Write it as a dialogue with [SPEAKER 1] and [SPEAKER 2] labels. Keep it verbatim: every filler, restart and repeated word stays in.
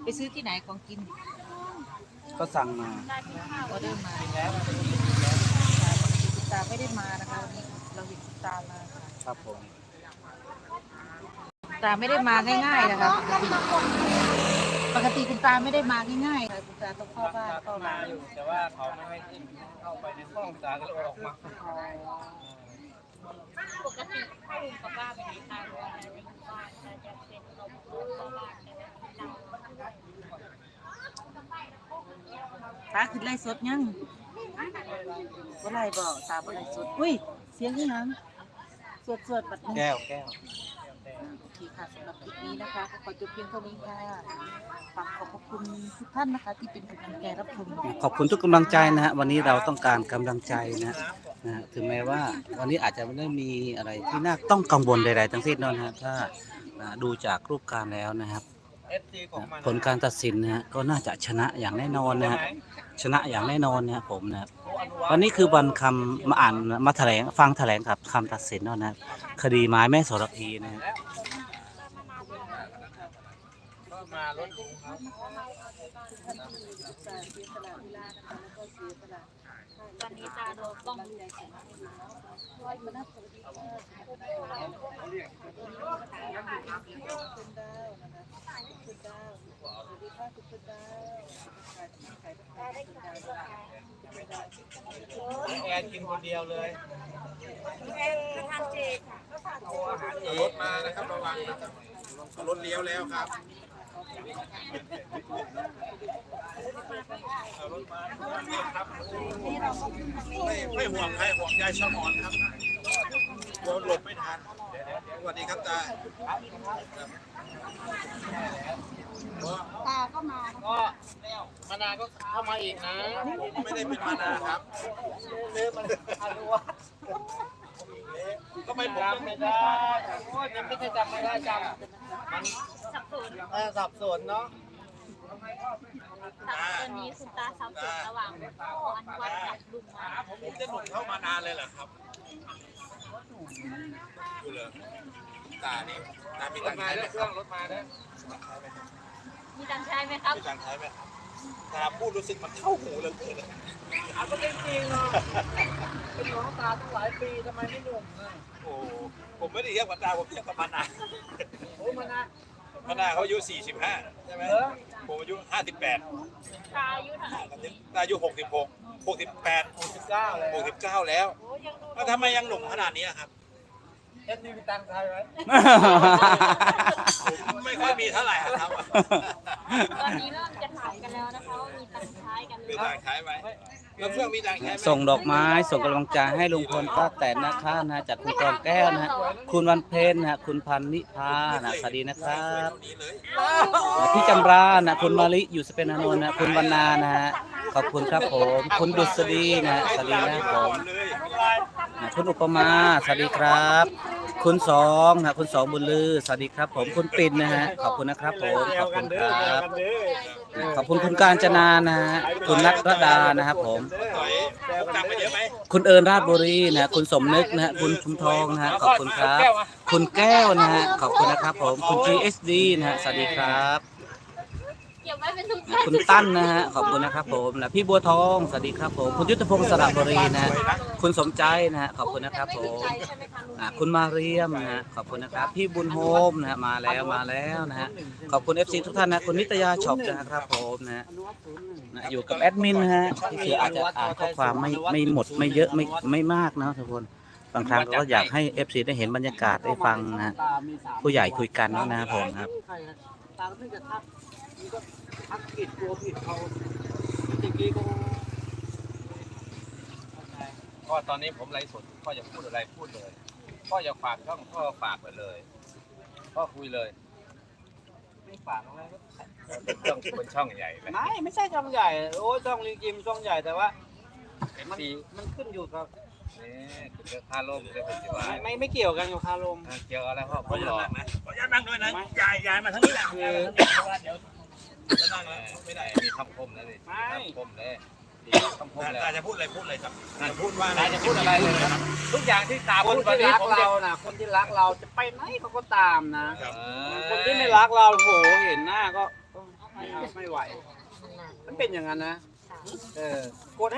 [SPEAKER 1] ไปซื้อที่ไหนของกิน
[SPEAKER 2] ก็สั่งมา
[SPEAKER 1] ออเดอร์มาแล้วคุณตาไม่ได้มานะคะวันนี้เราเห็นคุณตามา
[SPEAKER 2] ครับผม
[SPEAKER 1] ตาไม่ได้มาง่ายๆนะคะปกติคุณตาไม่ได้มาง่ายๆค่ะคุณตาต้องเข้าบ้านเข้าร้าน
[SPEAKER 3] อยู่แต่ว่าเขาไม่ให้ขึ้นเข้าไปในห้องตาก็เลยออกมา
[SPEAKER 4] ปกติถ้าลุงกับป้าไปไหนทานอะไรในบ้านจะจะเป็นเราเข้าบ้าน
[SPEAKER 1] ตาขึ้นไล่สดยังบ่ไล่บ่ตาบ่ไล่สดอุ้ยเสียงที่ยังสวดสวดบัดนี้
[SPEAKER 2] แก้วแก้ว
[SPEAKER 1] โอเคค่ะสำหรับคลิปนี้นะคะขอจบเพียงเท่านี้ค่ะฝากขอบพระคุณทุกท่านนะคะที่เป็นกำลังใจรับชม
[SPEAKER 2] ขอบคุณทุกกำลังใจนะฮะวันนี้เราต้องการกำลังใจนะนะฮะถึงแม้ว่าวันนี้อาจจะไม่ได้มีอะไรที่น่าต้องกังวลใดๆทั้งสิ้นนะฮะถ้าดูจากรูปการแล้วนะครับผลการตัดสินนะฮะก็น่าจะชนะอย่างแน่นอนนะฮะชนะอย่างแน่นอนนะครับผมนะครับวันนี้คือวันคำมาอ่านมาแถลงฟังแถลงครับคำตัดสินนะครับคดีไม้แม่โสระพีนะฮะ
[SPEAKER 3] มารถลุงครับ
[SPEAKER 4] ตอนนี้ตาโดนต้องดูแลแข็ง
[SPEAKER 3] แอนกินคนเดียวเลย
[SPEAKER 4] แอนทานเจค่ะ
[SPEAKER 3] รถมานะครับระวังนะครับรถเลี้ยวแล้วครับไม่ไม่ห่วงใครห่วงยายชมอนครับโดนหลบไม่ทันสวัสดีครับตา
[SPEAKER 4] ตาก็มา
[SPEAKER 3] ก็มานาก็เข้ามาอีกนะผมไม่ได้เป็นมานาครับเล่มันอาลัวก็ไม่ผมจำไม่ได้โอ้ยยังไม่ใช่จำไม่ได้จำมัน
[SPEAKER 4] สับสน
[SPEAKER 3] เออสับสนเนาะ
[SPEAKER 4] ตอนนี้คุณตาสับสนระหว่างพ่ออนุวัฒน์กับลุงมา
[SPEAKER 3] ผมจะหนุนเข้ามานานเลยเหรอครับดูเลยตานี่ตามีตังค์ใช้ไหมเครื่องรถมาด้วย
[SPEAKER 4] มีตังค์ใช้ไหมครับ
[SPEAKER 3] มีตังค์ใช้ไหมครับตาพูดรู้สึกมันเข้าหูเลยเกินเลยเอาก็จริงๆเนาะเป็นน้องตาตั้งหลายปีทำไมไม่หนุ่มอ่ะโอ้ผมไม่ได้เทียบกับตาผมเทียบกับมานาโอ้มานามานาเขาอายุสี่สิบห้าใช่ไหมผมอายุห้าสิบแปด
[SPEAKER 4] ตาอายุเท่าไหร่
[SPEAKER 3] ตาอายุหกสิบหกหกสิบแปดหกสิบเก้าแล้วหกสิบเก้าแล้วแล้วทำไมยังหนุ่มขนาดนี้ครับเอ็นดีมีตังค์ใช้ไหมไม่ค่อยมีเท่าไหร่ครับ
[SPEAKER 4] ตอนนี้เริ่มจะถามกันแล้วนะคะว่ามีตังค์ใช้กันหรือ
[SPEAKER 3] เปล่ามีตังค์ใช้ไหมแล้วเครื่องมีตังค์ใช้ไหม
[SPEAKER 2] ส่งดอกไม้ส่งกำลังใจให้ลุงพลป้าแตนนะคะนะจากคุณกองแก้วนะฮะคุณวันเพ็ญนะคุณพันนิพานะสวัสดีนะครับพี่จำรานะคุณมาลิอยู่สเปนอนนท์นะคุณวรรณานะฮะขอบคุณครับผมคุณดุษฎีนะสวัสดีนะครับผมคุณอุปมาสวัสดีครับคุณสองนะคุณสองบุญลือสวัสดีครับผมคุณปิ่นนะฮะขอบคุณนะครับผมขอบคุณครับขอบคุณคุณการจนานะฮะคุณนัทรดานะครับผมคุณเอิญราชบุรีนะคุณสมนึกนะฮะคุณชุมทองนะฮะขอบคุณครับคุณแก้วนะฮะขอบคุณนะครับผมคุณ จี เอส ดี นะฮะสวัสดีครับคุณตั้นนะฮะขอบคุณนะครับผมนะพี่บัวทองสวัสดีครับผมคุณยุทธพงศ์สระบุรีนะคุณสมใจนะฮะขอบคุณนะครับผมคุณมาเรียมนะฮะขอบคุณนะครับพี่บุญโฮมนะฮะมาแล้วมาแล้วนะฮะขอบคุณ เอฟ ซี ทุกท่านนะคุณนิตยาช็อปนะครับผมนะนะอยู่กับแอดมินนะฮะที่คืออาจจะอ่านข้อความไม่ไม่หมดไม่เยอะไม่ไม่มากนะทุกคนบางครั้งก็อยากให้ เอฟ ซี ได้เห็นบรรยากาศได้ฟังนะผู้ใหญ่คุยกันนะครับผมครับ
[SPEAKER 3] ทักผิดตัวผิดเขาจริงๆก็ก็ตอนนี้ผมไลฟ์สดพ่ออยากพูดอะไรพูดเลยพ่ออยากฝากช่องพ่อฝากไปเลยพ่อคุยเลยไม่ฝากอะไรเป็นช่องเป็นช่องใหญ่ไหมไม่ไม่ใช่ช่องใหญ่โอ้ช่องลิงจิมช่องใหญ่แต่ว่ามันมันขึ้นอยู่กับนี่ขึ้นกับคาลมเลยเป็นจีวไม่ไม่ไม่เกี่ยวกันกับคาลมเกี่ยวอะไรพ่อพ่ออยากนั่งนะพ่ออยากนั่งด้วยนะยายยายมาทั้งนี้แหละคือเดี๋ยวจะนั่งแล้วไม่ได้มีคำคมนะดิคำคมเลยคำคมเลยตาจะพูดอะไรพูดเลยครับจะพูดว่าตาจะพูดอะไรเลยครับทุกอย่างที่ตาพูดคนที่รักเรานะคนที่รักเราจะไปไหนเขาก็ตามนะคนที่ไม่รักเราโหเห็นหน้าก็
[SPEAKER 5] ไม่เอาไม่ไหว มันเป็นอย่างนั้นนะ เออกด